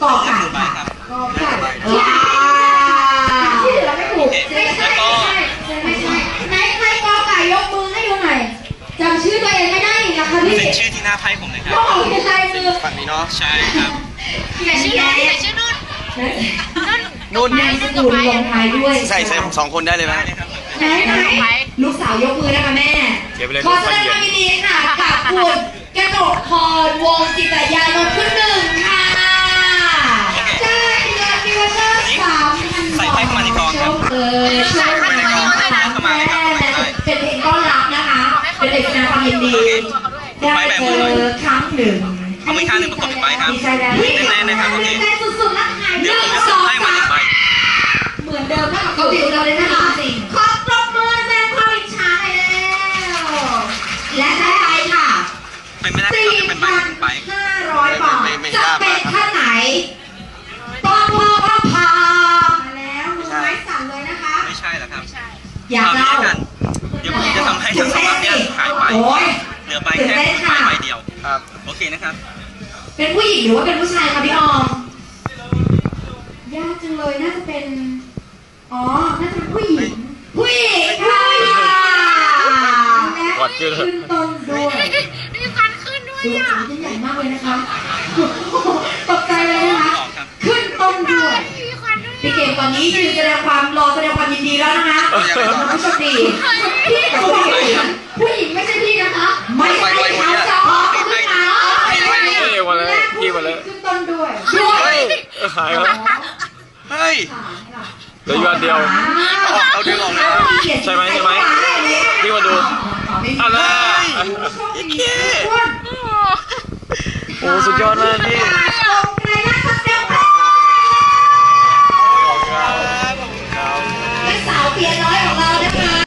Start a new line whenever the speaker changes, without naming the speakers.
กอไก่ค่ะกอไก่ที่เหลือไม่ถูกไม่ใช่ไหนใครกอไก่ยกมือให้ดูหน่อยจำชื่อตัวเองไม่ได้อีกนะคะพี่
เป็นชื่อที่หน้าไพ่ผมเลยครับ
ก็ของเป็นลายมือ
ฝั่งนี้เนาะใช่ครับ
ใส่ชื่อนุ่นใส่ชื่อนุ่น
นุ่นนามสกุลลงท้ายด้วย
ใส่2 คนได้เลยไหม
ไหนลูกสาวยกมือนะคะแม่ขอแสดงความยินดีค่ะกับคุณกระโดดพรวงจิตยานนท์ขึ้นหนึ่งค่ะใช่เงินดิวเซอร์3,000
ใส่ไพ่เข้ามาในกองครับ
ใช่ค่ะแม่เป็นเพลงต้อนรับนะคะเป็นเพลงแสดงความยินดีได้เจอครั้งหนึ่ง
เอามือข้างหนึ่งประกบอีกใบครับแน่ๆนะครับโอเค
ใจสุดๆนะคะ
เดี๋ยวผมจะส่งให้มา1 ใบ
เหมือนเดิมถ้ากับเกาหลีเราเลยนะคะขอปรบมือแสดงความอิจฉาหน่อยแล้วและได้ไปค่ะ
เป็นไม่ได้ก็จะเป็นใบ1 ใบ
4,500 บาทจะเป็นท่านไหนต้องรอพามาแล้วมือไม้สั่นเลยนะคะ
ไม่ใช่หรอครับ
อยากเล่า
เดี๋ยวผมจะทำให้ทั้ง2 ใบเนี่ยหายไป
โอ้ย
เหลือใบแค่ใบเดียวครับโอเคนะครับ
เป็นผู้หญิงหรือว่าเป็นผู้ชายคะพี่ออมยากจังเลยน่าจะเป็นอ๋อน่าจะเป็นผู้หญิงผู้หญิงค่ะและขึ้นต้นด้วย
มีฟันขึ้นด้วย
ดู
อ่ะ
ขาจะใหญ่มากเลยนะคะตกใจเลยนะคะขึ้นต้นด้วย
มีควันด้วย
พี่เก่งตอนนี้ยืนแสดงความยินดีแล้วนะคะผู้โชคดีพี่ผู้หญิงไม่ใช่พี่นะคะไม่ใช่เขาจะออกขึ้นมาขึ้นต้นด้วย
หายแล้ว
เฮ้ย
เหลืออยู่อันเดียว
เอาดึงออกเลย
ใช่ไหมพี่มาดูอะไร
อีกแค่
โอ้สุดยอดมากพี่
และสาวเปียน้อยของเรานะคะ